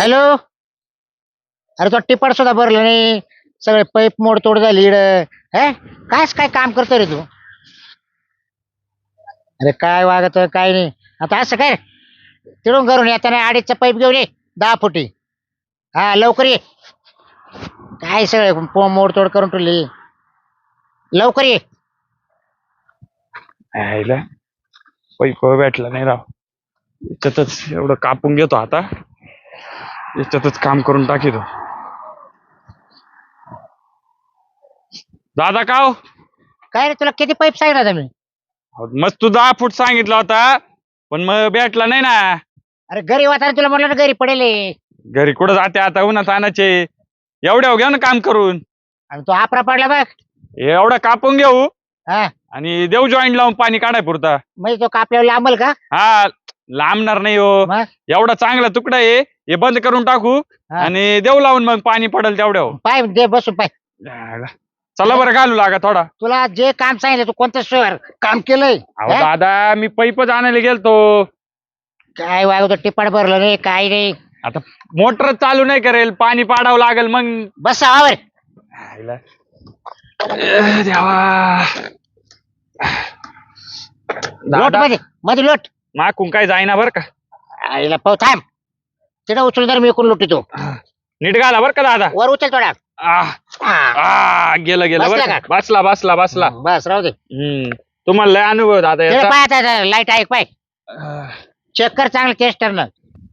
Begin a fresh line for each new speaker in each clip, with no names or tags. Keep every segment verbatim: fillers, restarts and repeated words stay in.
Hello. अरे तो टिपड सुद्धा भरलं नाही, सगळे पाईप मोडतोड झाली इड. हे कायच काय काम करतो रे तू? अरे काय वागत काय नाही. आता असं काय तिडून करून येताना अडीचचा पाईप घेऊन ये, दहा फुटी. हा लवकर ये. काय सगळे पो मोडतोड करून ठेवली, लवकर ये.
यायला पैप भेटला नाही राव. याच्यातच एवढं कापून घेतो आता, याच्यातच काम करून टाकीतो. दादा का हो?
काय रे तुला किती पाईप सांगितलं मी?
मस्त तू दहा फूट सांगितला होता, पण मग भेटला नाही ना.
अरे घरी वाटायला तुला म्हटलं ना घरी पडेल आहे.
घरी कुठं जाते आता, उन्हात आणायचे. एवढ्या घ्या ना काम करून.
आणि तो आपरा पडला बघ.
एवढं कापून घेऊ
हा
आणि देऊ जॉईंट लावून पाणी काढाय पुरता.
म्हणजे तो कापल्यावर लांबल का?
हा लांबणार नाही हो.
मग
एवढा चांगला तुकडा आहे, हे बंद करून टाकू
हा.
आणि देऊ लावून मग पाणी पडेल तेवढ्या.
पाय दे बसून पाय.
चला बरं घालू लागा थोडा.
तुला जे काम सांगितलं तू कोणतं सोयर काम केलंय?
अहो
हा?
दादा मी पैपच आणायला गेलतो.
काय वागतो टिपाड भरलं नाही काय नाही.
आता मोटर चालू नाही करेल, पाणी पाडावं लागेल मग.
बस आवर.
आईला. अ, देवा.
लोट
दादा
मध्ये मध्ये लोट.
माकून काय जाईना बर का.
आईला पाहू थांब. तिथं उचलून जर मी इकडून लुटितो.
नीट घाला बर का दादा.
वर उचल थोडा.
आह,
हा.
आह, गेलं गेलं
बसला
बरं का.
का?
बसला बसला बसला.
बस राहू दे.
हम्म तुम्हाला लय अनुभव दादा
तिकडे
याचा.
पाय आता लाईट आहे पाय.
अह,
चेक कर चांगलं केस टर्न.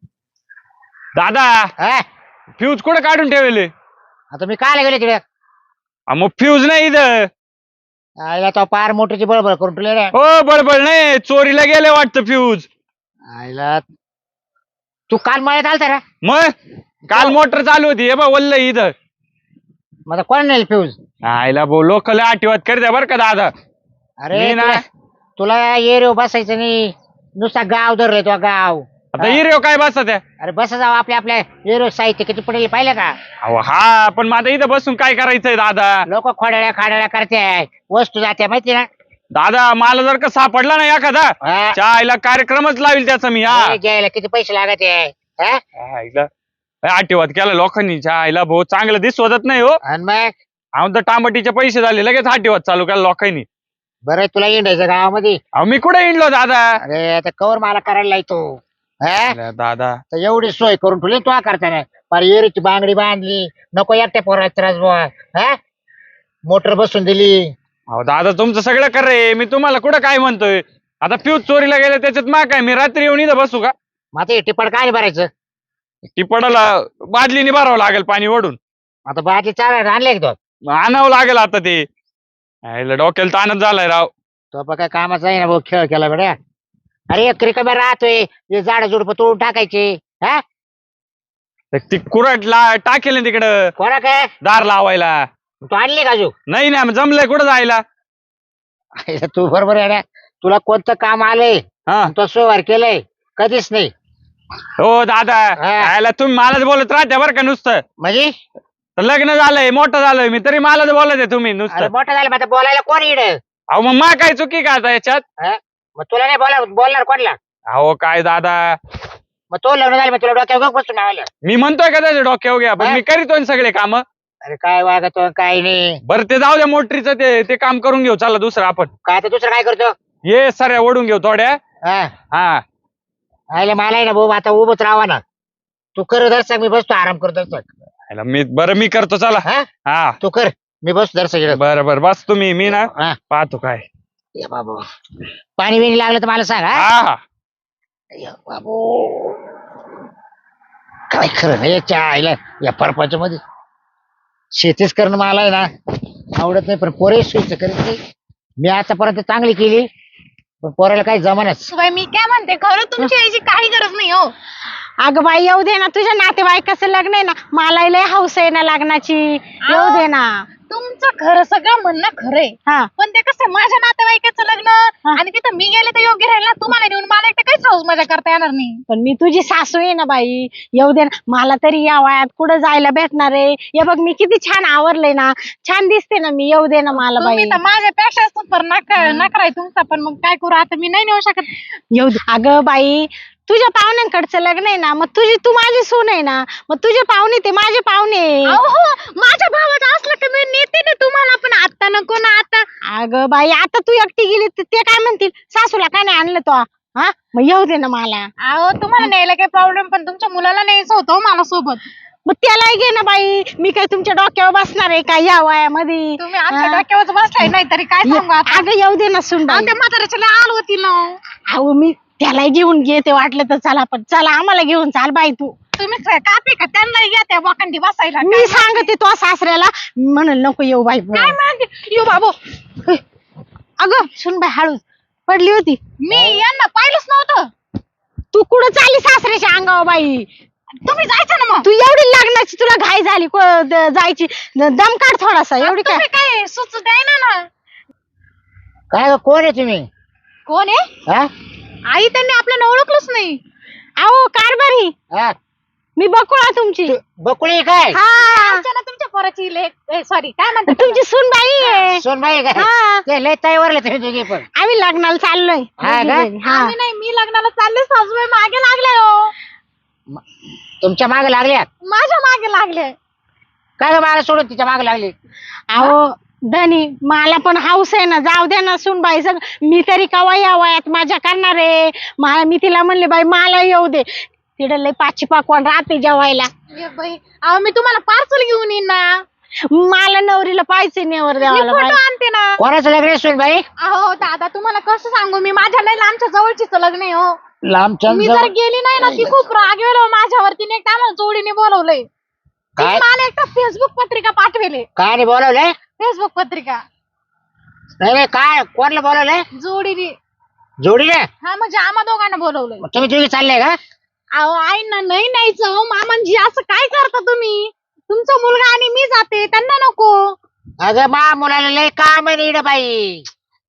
दादा
हा
फ्यूज कुठं काढून ठेवले?
आता मी काय गेले तिकडे?
मग फ्यूज नाही इथं.
आईला तो पार मोटरची बळबळ करून ठेवले रे.
हो बडबड नाही, चोरीला गेले वाटतं फ्यूज.
आईला तू काल मळ्यात आलता रे?
मग काल मोटर चालू होती, हे बघ वल्ल इथं.
मग आता कोण नेल फ्यूज?
आईला बो लोकल आठवत करते बर का दादा.
अरे
मी ना-
तुला तुला एरिओ बसायचं नाही, नुसता गाव धरले तो गाव.
आता हिरो काय बसत आहे?
अरे बस जाऊ आपल्या आपल्या एरिओ साहित्य किती पडेल पाहिलं का?
अहो हा पण माझं इथं बसून काय करायचंय दादा?
लोक खोड्याळ्या खाड्याळ्या करते, वस्तू जाते माहिती ना.
दादा मला जर का सापडला ना एखादा,
हा.
चायला कार्यक्रमच लावेल त्याचा मी. हा
हे घ्यायला किती पैसे लागत आहे हा?
आईला आठवत केला लोकांनी. आईला भाऊ चांगलं दिसवत नाही हो.
आणि मग
आमचं टांबटीचे पैसे झाले, लगेच आठवत चालू केला लोकांनी.
बरं तुला इंडायचं गावामध्ये.
अहो मी कुठे इंडलो दादा?
अरे आता कवर मला करायला येतो हा?
अरे दादा
तर एवढी सोय करून ठेवली तू करताना. पर एरीची बांगडी बांधली, नको एकट्या पोराचा त्रास बुवा. हा मोटर बसून दिली.
अहो दादा तुमचं सगळं कर रे, मी तुम्हाला कुठं काय म्हणतोय. आता फ्यूज चोरीला गेले त्याच्यात मा काय, मी रात्री येऊन इथं बसू का?
मग आता हे टिपड काय भरायचं?
ती पडाला बादलीने भरावं लागेल पाणी ओढून.
आता बाटली चार आणले एक दोन.
मग आणावं लागेल आता ते. आईला डोक्याला ताणच झालाय राव.
तो पण काय कामाचा आहे ना भाऊ, खेळ केला बेड्या. अरे एक रिकाम्या राहतोय, हे झाड झुडप तोडून टाकायचे. हा
तर ती कुरट ला टाकेल ना तिकडं
कोणा काय
दार लावायला.
तू आणली का अजून?
नाही ना जमलंय कुठं जायला.
तू बरोबर आहे ना. तुला कोणतं काम आलंय
हा
तो सोयवार केलंय कधीच नाही.
हो दादा
हा.
आयला तुम्ही मलाच बोलत राहते बरं का नुसतं.
म्हणजे
तर लग्न झालंय मोठं झालंय मी, तरी मलाच बोलत आहे तुम्ही
अरे
नुसतं.
मोठं झालं मग आता बोलायला कोण इड?
अहो मग मा काय चुकी का आता याच्यात?
मग तुला नाही बोला बोलणार कोणला?
अहो काय दादा,
मग तो लग्न झालं मग तुला डोक्यावर बसून आलं.
मी म्हणतोय का त्याच्या डोक्यावर घ्या, पण
हा.
मी करीतोय ना सगळे काम.
अरे काय वागतो काय नाही.
बरं ते जाऊ द्या मोटरीचं, ते ते काम करून घेऊ चला दुसरं आपण.
काय आता दुसरं काय करतो?
ये सऱ्या ओढून घेऊ थोड्या.
हा
हा
आयला मला आहे ना भाऊ आता उभंच राहा ना. तू कर दर्शक, मी बसतो आराम करतो दर्शक.
आयला मी बरं मी करतो चला.
हा
हा
तू कर, मी बसतो दर्शक.
बरं बरं बस तुम्ही, मी ना
हा
पाहतो काय.
ये बाबा पाणी बिणी लागलं तर मला सांग. हा
हा हा
ये बाबू काय खरं नाही याच्या आईला या परपाच्या मध्ये. शेतीच करणं मला आहे ना आवडत नाही, पण पोरे शेती करीत नाही. मी आतापर्यंत चांगली केली पण पोराला काही जमानच.
बाई मी काय म्हणते, खरं तुमची यायची काही गरज नाही हो. अगं बाई येऊ दे ना, तुझ्या नातेवाईकाचं लग्न आहे ना, मला लय हौस आहे ना लग्नाची, येऊ दे ना.
तुमचं खरं सगळं म्हणणं खरंय,
हा
पण ते कसं माझ्या नातेवाईकाचं लग्न आणि तिथं मी गेले तर योग्य राहील ना. तुम्हाला नेऊन मला एकटं काहीच हाऊस मजा करता येणार नाही.
पण मी तुझी सासू आहे ना बाई, येऊ दे ना. मला तरी या वयात कुठं जायला भेटणार आहे? हे बघ मी किती छान आवरले ना, छान दिसते ना मी, येऊ दे ना मला
तुम्ही
बाई.
तर माझ्यापेक्षा सुपर नका नकराय तुमचा, पण मग काय करू आता, मी नाही नेऊ शकत.
येऊ दे. अगं बाई तुझ्या पाहुण्यांकडचं लग्न आहे ना, मग तुझी तू माझी सून आहे ना, मग तुझे पाहुणे ते माझे पाहुणे.
अहो माझ्या भावाचं असलं की मी नेते ना तुम्हाला, पण आता नको ना आता.
अगं बाई आता तू एकटी गेली तर ते काय म्हणतील, सासूला काय नाही आणलं तो, हा मग येऊ दे ना मला.
अहो तुम्हाला न्यायला काही प्रॉब्लेम, पण तुमच्या मुलाला न्यायचं होतं हो मला सोबत.
मग त्यालाही घे ना बाई, मी काय तुमच्या डोक्यावर बसणार आहे का या वयामध्ये.
तुम्ही आमच्या डोक्यावर बसलाय, नाही तरी काय सांगू आता.
अगं येऊ दे ना सुन
अहो, त्या म्हाताऱ्याच्या लय आल होती ना.
अहो मी त्यालाही घेऊन घेते वाटलं तर, चला पण चला आम्हाला घेऊन चाल बाई तू.
तुम्ही कापी का त्यांना घ्या त्या वाकंडी बसायला.
मी सांगते तो सासऱ्याला म्हणून नको येऊ बाई.
काय म्हणते यो बाबू,
अगं सुन बाई हळूच पडली होती.
मी यांना पाहिलंच नव्हतं.
तू कुठं चालली सासऱ्याच्या अंगावर बाई.
तुम्ही जायचं ना मग.
तू एवढी लग्नाची तुला घाई झाली को- द- जायची दम काढ थोडासा. एवढी काय
तुम्ही काय सुच द्याय ना.
काय ग, कोण आहे तुम्ही?
कोण आहे?
हा
आई त्यांनी आपल्याला ओळखलंच नाही.
अहो कारभारी
हा
मी बकुळा तुमची.
बकुळी काय?
हा
आमच्या ना तुमच्या पोराची लेक, सॉरी काय म्हणतात
तुमची सून बाई आहे.
सोनबाई काय?
हा
ते लय तयावरले तुम्ही दोघी पण.
आम्ही लग्नाला चाललोय.
हा का?
हा
आम्ही नाही, मी लग्नाला चालले, सासूबाई मागे लागले हो.
तुमच्या मागे लागल्या?
माझ्या मागे लागले.
काय ग मला सोडून तिच्या मागे लागली?
अहो धनी मला पण हाऊस आहे ना, जाऊ दे ना सून बाई. सग मी तरी कवा या वयात माझ्या करणार आहे. मला मी तिला म्हणले बाई मला येऊ दे, तिकडे लय पाची पाकवान राहते जेवायला.
ये बाई, अहो मी तुम्हाला पार्सल घेऊन येईन ना.
मला नवरीला पाहिजे नेवर
मी
द्यावाला
फोटो
बाई.
आणते ना.
कोणाचं लग्न आहे सोनबाई?
अहो दादा तुम्हाला कसं सांगू मी, माझ्या नाही आमच्या जवळचीच लग्न आहे हो.
लांबच्या
मी जर गेली नाही ना, ती खूप रागवेल हो माझ्यावरती. एक आम्हाला जोडीने बोलवलंय. तिने
काय?
मला एकटा फेसबुक पत्रिका पाठवले.
काय नाही बोलवलंय?
फेसबुक पत्रिका
नाही नाही, काय कोणाला बोलवलंय?
जोडीने.
जोडीने?
हा म्हणजे आम्हा दोघांना बोलवलंय.
मग तुम्ही दोघी चालले का?
अहो आई ना नाही न्यायचं हो मामांजी, असं काय करता तुम्ही? तुमचा मुलगा आणि मी जाते, त्यांना नको.
अगं मा मुलाला लय काम आहे इकडे बाई.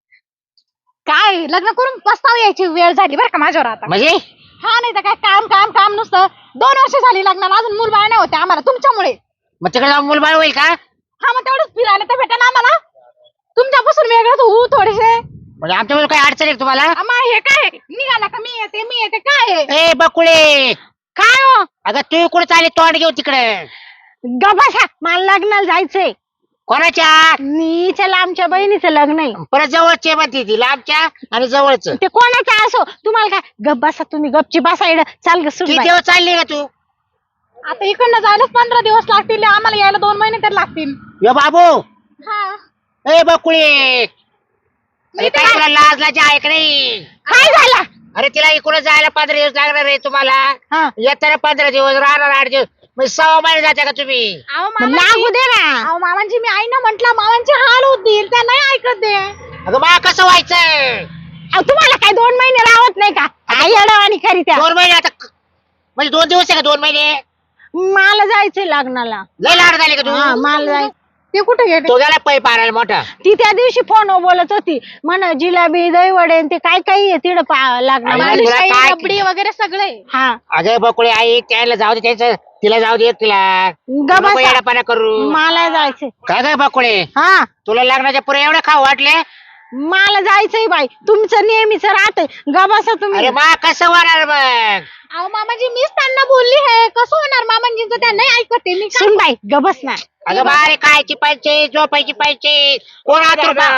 काय लग्न करून पस्ताव यायची वेळ झाली बरं का माझ्यावर आता.
म्हणजे
हा नाही तर काय काम काम काम नुसतं. दोन वर्ष झाली लग्नाला, अजून मूल बाळ नाही होते आम्हाला तुमच्यामुळे.
मग तिकडे जाऊन मुलबाळ होईल का?
हा मग तेवढंच फिरायला तर भेटा ना आम्हाला. तुमच्यापासून वेगळं होऊ थोडेसे.
म्हणजे आमच्यामुळे काही अडचण आहे का तुम्हाला?
आम्हा हे काय निघाला का मी येते मी येते काय आहे?
ए बकुळे,
काय हो
अगं तू कुठे चालली तोंड घेऊ तिकडे?
गबासा, मला लग्नाला जायचंय.
कोणाच्या?
नीच्या लांबच्या बहिणीचं लग्न आहे.
परत जवळचे म्हणते ती, लांबच्या आणि जवळच.
ते कोणाचं असो, तुम्हाला काय गप बसा तुम्ही, गपची बसा इकडं. चाल ग सुन
किती
बाई.
दिवस चालली का तू?
आता इकडनं जायलाच पंधरा दिवस लागतील, आम्हाला यायला दोन महिने तर लागतील.
यो बाबू,
हा
ए बकुळे, अरे काय तुला लाज लाज आहे का नाही?
काय झालं?
अरे तिला इकडे जायला पंधरा दिवस लागणार आहे तुम्हाला.
हा
येताना पंधरा दिवस, राहणार आठ दिवस, म्हणजे सहा महिने जाते का तुम्ही?
अहो
मग
मामांजी,
लागू दे ना.
अहो मामांजी मी आई ना म्हंटल, मामांचे हाल होतील, त्या नाही ऐकत दे.
अगं मा कसं व्हायचं?
अहो, तुम्हाला काय दोन महिने राहत नाही का? आई अडवाणी खरी त्या.
दोन महिने आता क- म्हणजे दोन दिवस आहे का? दोन महिने
मला जायचंय लग्नाला.
लय लाड झाली का
हा
तू?
मला जाय
ते कुठे गेले?
तो गेला पैप आणायला मोठा.
ती त्या दिवशी फोनवर बोलत होती, म्हण जिलेबी दही वडे आणि ते काय काय आहे तिकडं पा- लग्नाला.
तुला
बालुशाही,
काय-
रबडी वगैरे सगळे.
हा
अगं बकुळे आई, त्याला जाऊ दे, त्याचं तिला जाऊ दे तिला. नको
गबासा,
येडापाना करू.
मला जायचंय.
काय काय बकुळे,
हा
तुला लग्नाच्या पुढे एवढे खाऊ वाटले?
मला जायचंय बाई, तुमचं नेहमीच राहतंय. गबासा तुम्ही.
अरे मा कसं होणार मग?
अहो मामाजी मीच त्यांना बोलली आहे, कसं होणार मामांजींचं, त्या नाही ऐकत आहे. मी काय-
सुन बाई गबस ना.
अगं बारे, खायची पाहिजे, झोपायची पाहिजे, कोण आतुर बा?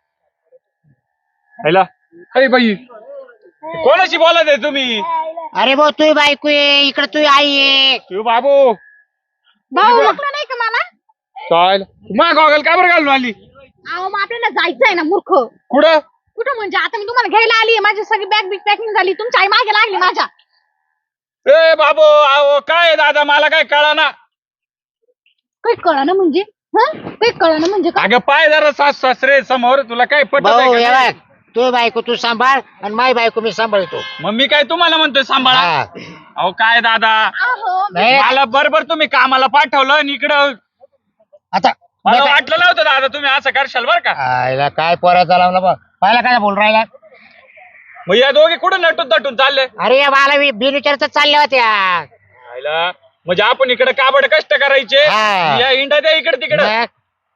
हॅलो, अरे बाई कोणाशी बोलत आहे तुम्ही?
अरे भाऊ तू बायको आहे, इकडे तू आई आहे.
तू बाबू
भाऊ ओळखलं नाही का मला?
चाल मग गॉगल का बरं घालून आली?
अहो मग आपल्याला जायचंय ना मूर्ख.
कुठं?
कुठं म्हणजे आता मी तुम्हाला घ्यायला आली, माझी सगळी बॅग बिग पॅकिंग झाली, तुमची आई मागे लागली माझ्या.
ए बाबू, अहो काय आहे दादा, मला काय कळा ना.
काही कळलं म्हणजे हं? काही कळलं म्हणजे काय?
अगं पाय जरा सास सासरे समोर, तुला काय पटत
भाऊ
आहे
हे
का?
बघ, तू बायको तू सांभाळ आणि माय बायको मी सांभाळतो.
मग मी काय तुम्हाला म्हणतोय सांभाळा?
हा.
अहो काय दादा,
अहो
नाही,
मला बरोबर तुम्ही कामाला पाठवलं आणि इकडं
आता
मला वाटलं नव्हतं दादा तुम्ही असं करशाल बरं का.
आईला काय पोराचा लावला बघ, पाहिला काय बोल राहिला?
मग या दोघे कुठं नटून तटून चालले?
अरे या मला बिनविचारच चालल्या होत्या.
आयला, म्हणजे आपण इकडे काबड कष्ट करायचे,
हा.
या इंडा द्या इकडे तिकडे.
मग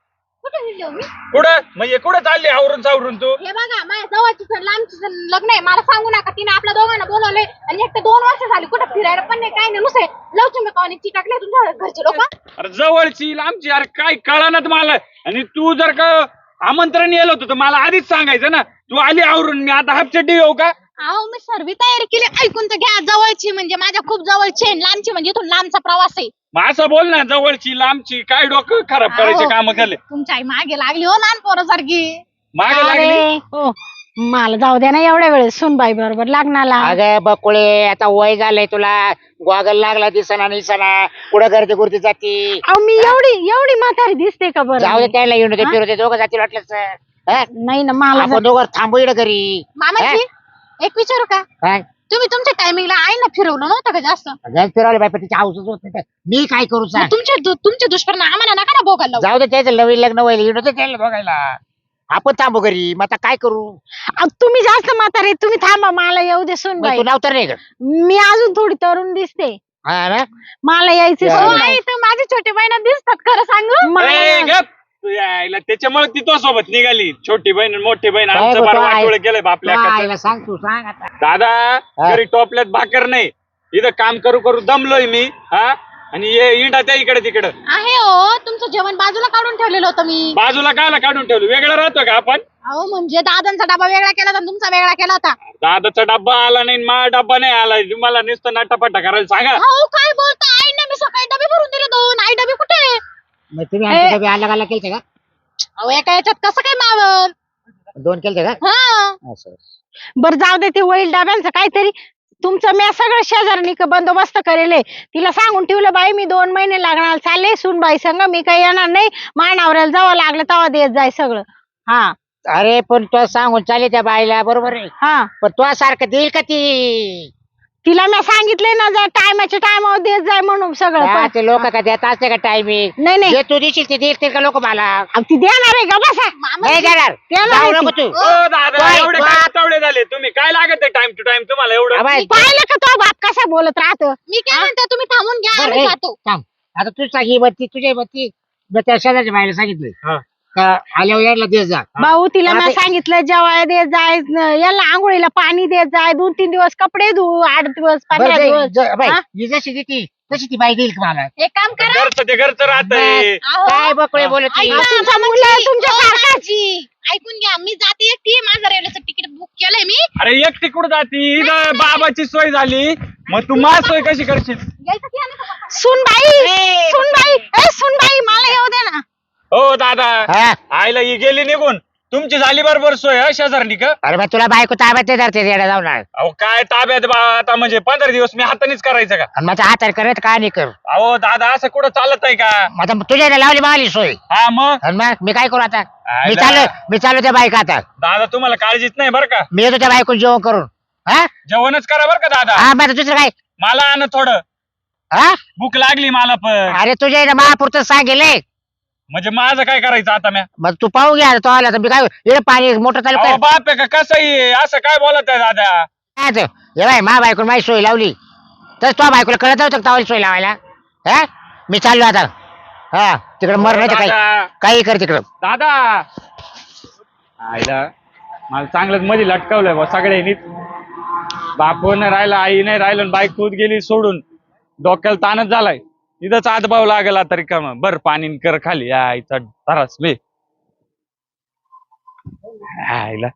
कुठे हिंडलो मी?
कुठं म्हणजे कुठं चालली आवरून सावरून तू?
हे बघा माझ्या जवळची सण लांबची सण लग्न आहे, मला सांगू नका. तिने आपल्या दोघांना बोलवले आणि एक तर दोन वर्ष झाली कुठं फिरायला पण नाही, काय नाही, नुसते लवचिंग कावानी चिटाकले तुमच्या घरचे लोक.
अरे जवळची आमची अरे काय कळणार मला. आणि तू जर का आमंत्रण येलं होतं तर मला आधीच सांगायचं ना. तू आली आवरून, मी आता हाफ चड्डी येऊ का?
अहो मी सर्व तयारी केली, ऐकून तर घ्या. जवळची म्हणजे माझ्या खूप जवळची आहे, लांबची म्हणजे इथून लांबचा प्रवास आहे.
मग असं बोल ना, जवळची लांबची काय डोकं खराब करायचे
अहो.
काम केले.
तुमच्या आई मागे लागली हो लहान पोरासारखी.
मागे लागली.
अरे हो मला जाऊ द्या ना एवढ्या वेळेस सुनबाई बरोबर लग्नाला.
अगं बकुळे आता वय झालंय तुला, गॉगल लागला दिसना निसना, पुढे गर्दी गुर्दी जाती.
अहो मी एवढी एवढी म्हातारी दिसते का बरं?
जाऊ दे त्याला येऊन दे,
हा?
फिरू दे, दोघं जातील वाटलंच. हा?
नाही ना मला
आपण दोघं थांबू इकडे घरी.
मामाजी एक विचारू का?
काय
तुम्ही तुमच्या टायमिंगला आईना फिरवलं नव्हतं का जास्त?
गॅस फिरवले बाई, पण तिची हाऊसच होत नाही तर मी काय करू
मग
सांग.
तुमचे दु- तुमचे दुष्परिणाम आम्हाला नका ना भोगायला लावू.
जाऊ दे त्याचं नवीन लग्न व्हायला येऊन दे त्याला बघायला. आपण थांबू घरी, मग आता काय करू.
अहो, तुम्ही जास्त म्हातारे, तुम्ही थांबा मला येऊ दे
मग
सुनबाई.
तू नाव तर नाही का?
मी अजून थोडी तरुण दिसते,
हा ना.
मला यायचे
या.
हो
सुनबाई.
आई तर माझी छोटी बहिण दिसतात खरं सांगू.
मला-
ए, गप. तू यायला त्याच्यामुळे ती तो सोबत निघाली. छोटी बहीण आणि मोठी बहीण
काय
आमचं
गं,
बरं
तो आहे.
वाटोळं केलंय बापल्या
तू
हाकाचं.
आईला सांग, तू सांग आता.
दादा
हा.
घरी टोपल्यात भाकर नाही, इथं काम करू करू दमलोय मी. हा आणि ये इंडा त्या इकडे तिकडं.
आहे हो, तुमचं जेवण बाजूला काढून ठेवलेलं होतं मी.
बाजूला कायला काढून ठेवलं, वेगळं राहतो का आपण?
अहो म्हणजे दादांचा डबा वेगळा केला होता आणि तुमचा वेगळा केला होता.
दादाचा डब्बा आला नाही, माझा डब्बा नाही आला. तुम्हाला नुसतं नटापटा करायला सांगा.
अहो काय बोलता, आईने मी सकाळी डबे भरून दिले दोन. आई डबे कुठे?
मग तुम्ही आमच्या डबे अलग अलग केलते का?
अहो एका याच्यात कसं काय मावल?
दोन केलते का?
हा
असं.
बरं जाऊ दे ते वैल डाब्यांचं काहीतरी. तुमचं मी सगळं शेजारनी क- बंदोबस्त करेले. तिला सांगून ठेवलं बाई मी दोन महिने लागणार चालले सुनबाई संग, मी काही येणार नाही. मानावऱ्याला जावं लागलं तेव्हा देत जाय सगळं. हा
अरे पण तो सांगून चालेल त्या बाईला, बरोबर आहे.
हा
पण तो सारखं देईल का ती?
तिला मी सांगितले ना जर टायमाच्या टायमावर देत जाय म्हणून सगळं.
हा,
पण-
ते लोक का देत असते का टायमिंग?
नाही नाही
जे तू देशील ते देतील का लोक मला?
अहो, ती देणार आहे का बसा.
नाही देणार.
देणार
जाऊ
आहे
नको
ती.
तू.
ओ दादा
काय?
एवढे
वा-
काय तवडे झाले तुम्ही? काय लागत आहे टाइम टू टाइम तुम्हाला एवढं?
आवाज-
पाहिलं का तो बाप कसा बोलत राहतो.
मी काय म्हणते, तुम्ही थांबून घ्या,
बरं,
आम्ही
ए,
जातो.
थांब. आता तू सांग ही बत्ती तुझी बत्ती, मी त्या शेजारच्या बाईला सांगितलं
हा.
का आल्यावर यायला दे जा.
भाऊ तिला
हा,
मी
ते-
सांगितलं जेवायला देत जाय, न- याला आंघोळीला पाणी देत जाय, दोन तीन दिवस कपडे धु, आठ दिवस
बरं,
पंधरा
जे-
दिवस.
जे- बाई,
हा?
ही जशी देती तशी ती बाई देईल का मला?
एक काम करा.
घरचं ते घरचं राहतंय.
अहो,
काय बकळे बोलत
ऐका,
ती?
तुमचा
मामाजी,
मुलगा तुमच्या
ओ,
सारखाच.
मामाजी, ऐकून घ्या, मी जाते एकटी. माझं रेल्वेचं तिकीट बुक केलंय मी.
अरे एकटी कुठं जाती? इथं बाबाची सोय झाली, मग तू माझ सोय कशी करशील?
यायचं की नाही का?
सुनबाई सुनबाई ए सुनबाई मला येऊ दे ना.
हो दादा
हा?
आईला ही गेली निघून, तुमची झाली बरोबर सोय हा शेजारनी का?
अरे मग तुला बायको ताब्यात नाही धरते येडा जाऊन. आणि
अहो काय ताब्यात बा आता, म्हणजे पंधरा दिवस मी हातानेच करायचं का?
मग हाताने करत काय नाही कर.
अहो दादा असं कुठं चालत आहे का?
मग आता तुझ्या इकडे लावली मावली सोय.
हा मग
आणि मग मी काय करू आता? मी
आयला.
चालू मी चालू त्या बायका आता.
दादा तुम्हाला काळजीच नाही बरं का?
मी येतो त्या बायकोन जेवण करून. हा
जेवणच करा बरं का दादा.
हा मग आता दुसरं काय?
मला आण थोडं,
हा
भूक लागली मला पण.
अरे तुझ्या इकडे महापुरतं सांगेल.
म्हणजे माझं काय करायचं आता म्या?
मग तू पाहू घ्या तो आला तर मी काय इकडे पाणी मोटर चालू
अहो
कर.
बाप आहे का कसंही असं काय बोलत आहे दादा?
काय ते? हे बाय मा बायकोन माझी सोय लावली तर तो बायकोला कळत नव्हतं का तावली सोय लावायला? हा मी चाललो आता. हा तिकडे मर नाही तर काही
दादा
काही कर तिकडं.
दादा आईला मला चांगलंच मध्ये लटकवलंय बा सगळ्यांनीच. बाप नाही राहिला, आई नाही राहिलं, आणि बाईक खुद गेली सोडून. डोक्याला ताणच झालाय. तिथंच आतभाव लागला तरी का मग बर पाणी कर खाली. आईचा तरास बे आईला